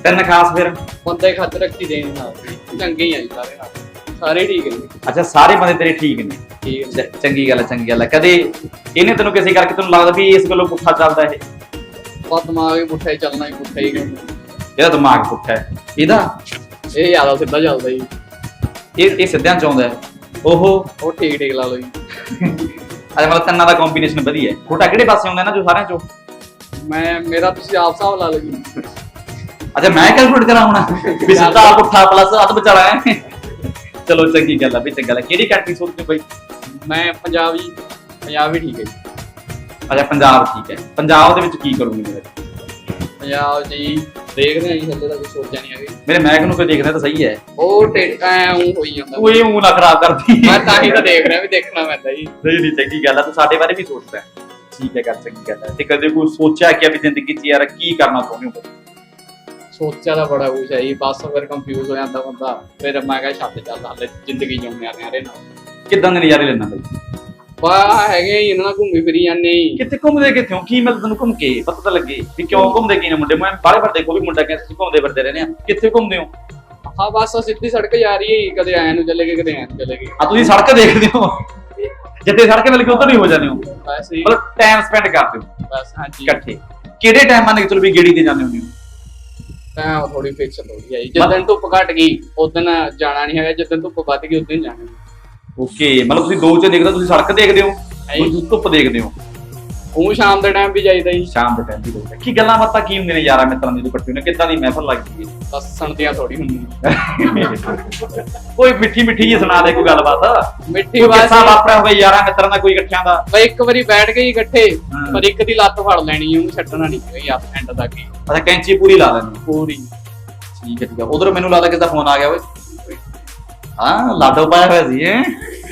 A: ਤਿੰਨ ਖਾਸ ਫਿਰ?
C: ਬੰਦੇ ਖੱਚ ਰੱਖੀ ਦੇ ਨਾਲ ਚੰਗੇ ਹੀ ਆ ਜੀ ਸਾਰੇ ਨਾਲ, ਸਾਰੇ ਠੀਕ ਹੈ ਜੀ।
A: ਅੱਛਾ ਸਾਰੇ ਬੰਦੇ ਤੇਰੇ ਠੀਕ ਨੇ।
C: ਠੀਕ ਹੈ
A: ਚੰਗੀ ਗੱਲ ਹੈ, ਚੰਗੀ ਗੱਲ ਹੈ। ਕਦੇ ਇਹਨੇ ਤੈਨੂੰ ਕਿਸੇ ਕਰਕੇ ਤੈਨੂੰ ਲੱਗਦਾ ਵੀ ਇਸ ਗੱਲੋਂ ਪੁੱਠਾ ਚੱਲਦਾ ਇਹ?
C: ਬਸ ਦਿਮਾਗ ਵੀ ਪੁੱਠਾ ਹੀ ਚੱਲਣਾ, ਹੀ ਪੁੱਠਾ ਹੀ ਕਰਨਾ।
A: ਇਹਦਾ ਦਿਮਾਗ ਪੁੱਠਾ ਹੈ, ਇਹਦਾ
C: ਇਹ ਜ਼ਿਆਦਾ ਸਿੱਧਾ ਚੱਲਦਾ ਜੀ।
A: ਇਹ ਸਿੱਧਿਆਂ ਚ ਆਉਂਦਾ ਹੈ।
C: ਉਹ ਠੀਕ ਠੀਕ ਲਾ ਲਓ ਜੀ।
A: ਅੱਛਾ ਮਤਲਬ ਤਿੰਨਾਂ ਦਾ ਕੰਬੀਨੇਸ਼ਨ ਵਧੀਆ ਹੈ। ਤੁਹਾਡਾ ਕਿਹੜੇ ਪਾਸੇ ਆਉਂਦਾ ਨਾ ਜੋ ਸਾਰਿਆਂ ਚੋਂ?
C: ਮੇਰਾ ਤੁਸੀਂ ਆਪ ਹਿਸਾਬ ਲਾ ਲਓ ਜੀ।
A: ਅੱਛਾ ਮੈਂ ਕੈਲਕੂਲੇਟ ਕਰਾਂ ਹੁਣ ਵੀ ਸਿੱਧਾ ਪੁੱਠਾ ਪਲੱਸ ਅੱਧ ਵਿਚਾਲਾ ਹੈ। ਚਲੋ ਚੰਗੀ ਗੱਲ ਆ ਵੀ, ਚੰਗਾ ਗੱਲ ਹੈ। ਕਿਹੜੀ ਕੰਟਰੀ ਸੋਚਦੇ ਬਈ?
C: ਮੈਂ ਪੰਜਾਬ ਜੀ, ਪੰਜਾਬ ਹੀ ਠੀਕ ਹੈ ਜੀ।
A: ਅੱਛਾ ਪੰਜਾਬ ਠੀਕ ਹੈ। ਪੰਜਾਬ ਦੇ ਵਿੱਚ ਕੀ ਕਰੂੰਗੇ ਮੇਰੇ?
C: ਪੰਜਾਬ ਜੀ ਦੇਖਦੇ ਆ ਜੀ, ਹਲੇ ਤਾਂ ਕੁਝ ਸੋਚਿਆ ਨਹੀਂ ਹੈਗਾ।
A: ਮੇਰੇ ਮਹਿਕ ਨੂੰ ਕੋਈ ਦੇਖਦਾ ਤਾਂ ਸਹੀ ਹੈ।
C: ਉਹ ਹੋਈ ਜਾਂਦਾ।
A: ਉਹ ਇਹ ਨਾ ਖਰਾਬ ਕਰਦੀ।
C: ਮੈਂ ਤਾਂ ਹੀ ਤਾਂ ਦੇਖ ਰਿਹਾ ਵੀ ਦੇਖਣਾ ਪੈਂਦਾ ਜੀ।
A: ਨਹੀਂ ਨਹੀਂ ਚੰਗੀ ਗੱਲ ਆ, ਤੂੰ ਸਾਡੇ ਬਾਰੇ ਵੀ ਸੋਚਦਾ ਹੈ। ਠੀਕ ਹੈ ਗੱਲ, ਚੰਗੀ ਗੱਲ ਹੈ। ਤੇ ਕਦੇ ਕੋਈ ਸੋਚਿਆ ਕਿ ਵੀ ਜ਼ਿੰਦਗੀ 'ਚ ਯਾਰ ਕੀ ਕਰਨਾ ਚਾਹੁੰਦੇ ਹੋ?
C: ਸੋਚਿਆ ਤਾਂ ਬੜਾ ਕੁਛ ਹੈ ਜੀ, ਬਸ ਫਿਰ ਕੰਫਿਊਜ਼ ਹੋ ਜਾਂਦਾ ਬੰਦਾ। ਫਿਰ ਮੈਂ ਕਿਹਾ ਛੱਡ ਚੱਲ, ਹਾਲੇ ਜ਼ਿੰਦਗੀ ਜਿਉਂਦੇ ਆ ਨਿਆਰੇ ਨਾਲ।
A: ਕਿੱਦਾਂ ਦੇ ਨਜ਼ਾਰੇ ਲੈਣਾ ਬਈ?
C: ਵਾਹ ਹੈਗੇ ਜੀ, ਇਹਨਾਂ ਨਾਲ ਘੁੰਮੀ ਫਿਰੀ ਜਾਂਦੇ ਜੀ।
A: ਕਿੱਥੇ ਘੁੰਮਦੇ ਕਿੱਥੇ ਹੋ? ਕੀ ਮਿਲਦਾ ਤੈਨੂੰ ਘੁੰਮ ਕੇ? ਪਤਾ ਤਾਂ ਲੱਗੇ ਵੀ ਕਿਉਂ ਘੁੰਮਦੇ ਕੀ ਨੇ ਮੁੰਡੇ। ਮੈਂ ਬਾਰੇ ਬਾਰ ਦੇਖੋ ਵੀ ਮੁੰਡਾ ਕਹਿੰਦਾ ਤੁਸੀਂ ਘੁੰਮਦੇ ਫਿਰਦੇ ਰਹਿੰਦੇ ਆ। ਕਿੱਥੇ ਘੁੰਮਦੇ ਹੋ?
C: ਹਾਂ ਬਸ ਸਿੱਧੀ ਸੜਕ ਜਾ ਰਹੀ ਹੈ, ਕਦੇ ਐਂ ਨੂੰ ਚਲੇ ਗਏ, ਕਦੇ ਐਂ ਨੂੰ ਚਲੇ ਗਏ।
A: ਆ ਤੁਸੀਂ ਸੜਕ ਦੇਖਦੇ ਹੋ, ਜਿੱਥੇ ਸੜਕ ਮਿਲ ਕੇ ਉਧਰ ਹੀ ਹੋ ਜਾਂਦੇ ਹੋ।
C: ਬਸ ਜੀ,
A: ਮਤਲਬ ਟਾਈਮ ਸਪੈਂਡ ਕਰਦੇ ਹੋ
C: ਬਸ ਹਾਂਜੀ।
A: ਇਕੱਠੇ। ਕਿਹੜੇ ਟਾਈਮ ਮੰਨ ਕੇ ਚਲੋ ਵੀ ਗੇੜੀ ਤੇ ਜਾਂਦੇ ਹੁੰਦੇ ਹੋ?
C: ਤਾਂ ਥੋੜੀ ਫਿਕਸ ਹੋ ਗਈ ਹੈ ਜੀ। ਜਿੱਦਣ ਧੁੱਪ ਘਟ ਗਈ ਉਦੋਂ ਜਾਣਾ ਨਹੀਂ ਹੈਗਾ, ਜਿੱਦਣ ਧੁੱਪ ਵੱਧ ਗਈ ਉਦੋਂ ਜਾਣਾ।
A: ਓਕੇ ਮਤਲਬ ਤੁਸੀਂ ਦੋ ਚ ਦੇਖਦੇ ਹੋ, ਤੁਸੀਂ ਸੜਕ ਦੇਖਦੇ ਹੋ, ਤੁਸੀਂ ਧੁੱਪ ਦੇਖਦੇ ਹੋ।
C: ਉਹ ਸ਼ਾਮ ਦੇ ਟਾਈਮ ਵੀ ਜਾਈਦਾ ਜੀ।
A: ਸ਼ਾਮ ਦੇ ਟਾਈਮ ਵੀ ਦੇਖਦੇ। ਕੀ ਗੱਲਾਂ ਬਾਤਾਂ ਕੀ ਹੁੰਦੀਆਂ ਨੇ ਯਾਰਾਂ ਮਿੱਤਰਾਂ ਦੀ ਇਕੱਠੇ ਹੁੰਦੇ? ਕਿੱਦਾਂ ਦੀ ਮਹਿਫਲ ਲੱਗਦੀ ਹੈ?
C: ਦੱਸਣ ਦੀਆਂ ਥੋੜੀ ਹੁੰਦੀ।
A: ਕੋਈ ਮਿੱਠੀ ਮਿੱਠੀ ਜਿਹੀ ਸੁਣਾ ਦੇ ਕੋਈ ਗੱਲਬਾਤ।
C: ਮਿੱਠੀ
A: ਕਿੱਸਾ
C: ਬਾਤ
A: ਵਾਪਰਿਆ ਹੋਵੇ ਯਾਰਾਂ ਮਿੱਤਰਾਂ ਦਾ ਕੋਈ ਇਕੱਠਿਆਂ ਦਾ?
C: ਬਈ ਇੱਕ ਵਾਰੀ ਬੈਠ ਗਏ ਇਕੱਠੇ,
A: ਹਾਂ।
C: ਪਰ ਇੱਕ ਦੀ ਲੱਤ ਫੜ ਲੈਣੀ, ਉਹਨੂੰ ਛੱਡਣਾ ਨਹੀਂ ਗਈ ਆਪ ਐਂਡ ਤੱਕ ਹੀ
A: ਅੱਛਾ ਕੈਂਚੀ ਪੂਰੀ ਲਾ ਲੈਣੀ?
C: ਪੂਰੀ।
A: ਠੀਕ ਹੈ ਠੀਕ ਹੈ। ਉਧਰ ਮੈਨੂੰ ਲੱਗਦਾ ਕਿਸਦਾ ਫੋਨ ਆ ਗਿਆ ਓਏ। ਹਾਂ ਲਾਡੋ ਪਾਇਆ ਹੋਇਆ ਸੀ ਹੈ।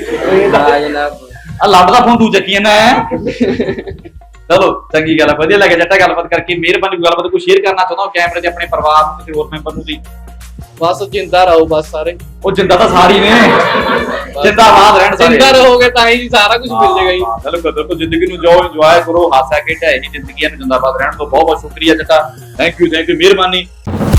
A: ਆ ਲੱਡ ਦਾ ਫੋਨ ਤੂੰ ਚੱਕੀ ਜਾਂਦਾ ਹੈ। ਚਲੋ ਚੰਗੀ ਗੱਲ ਹੈ, ਵਧੀਆ ਲੱਗਿਆ ਜੱਟਾ ਗੱਲਬਾਤ ਕਰਕੇ। ਮਿਹਰਬਾਨੀ ਗੱਲਬਾਤ ਕੋਈ ਸ਼ੇਅਰ ਕਰਨਾ ਚਾਹੁੰਦਾ ਕੈਮਰੇ ਤੇ ਆਪਣੇ ਪਰਿਵਾਰ ਨੂੰ, ਕਿਸੇ ਹੋਰ ਮੈਂਬਰ ਨੂੰ ਵੀ?
C: ਬਸ ਜਿੰਦਾ ਰਹੋ ਬਸ ਸਾਰੇ।
A: ਉਹ ਜਿੰਦਾ ਤਾਂ ਸਾਰੀ ਨੇ, ਜਿੰਦਾਬਾਦ ਰਹਿਣ ਸਾਰੇ।
C: ਜਿੰਦਾ ਰਹੋਗੇ ਤਾਂ ਹੀ ਸਾਰਾ ਕੁਝ ਮਿਲ ਜਾਏਗਾ ਜੀ।
A: ਬਿਲਕੁਲ ਬਿਲਕੁਲ। ਜ਼ਿੰਦਗੀ ਨੂੰ ਜੋ ਇੰਜੋਏ ਕਰੋ, ਹਾਸਾ ਖੇਡਾ ਇਹੀ ਜ਼ਿੰਦਗੀ ਹੈ। ਜਿੰਦਾਬਾਦ ਰਹਿਣ ਤੋਂ ਬਹੁਤ ਬਹੁਤ ਸ਼ੁਕਰੀਆ ਜੱਟਾ। ਥੈਂਕ ਯੂ ਮਿਹਰਬਾਨੀ।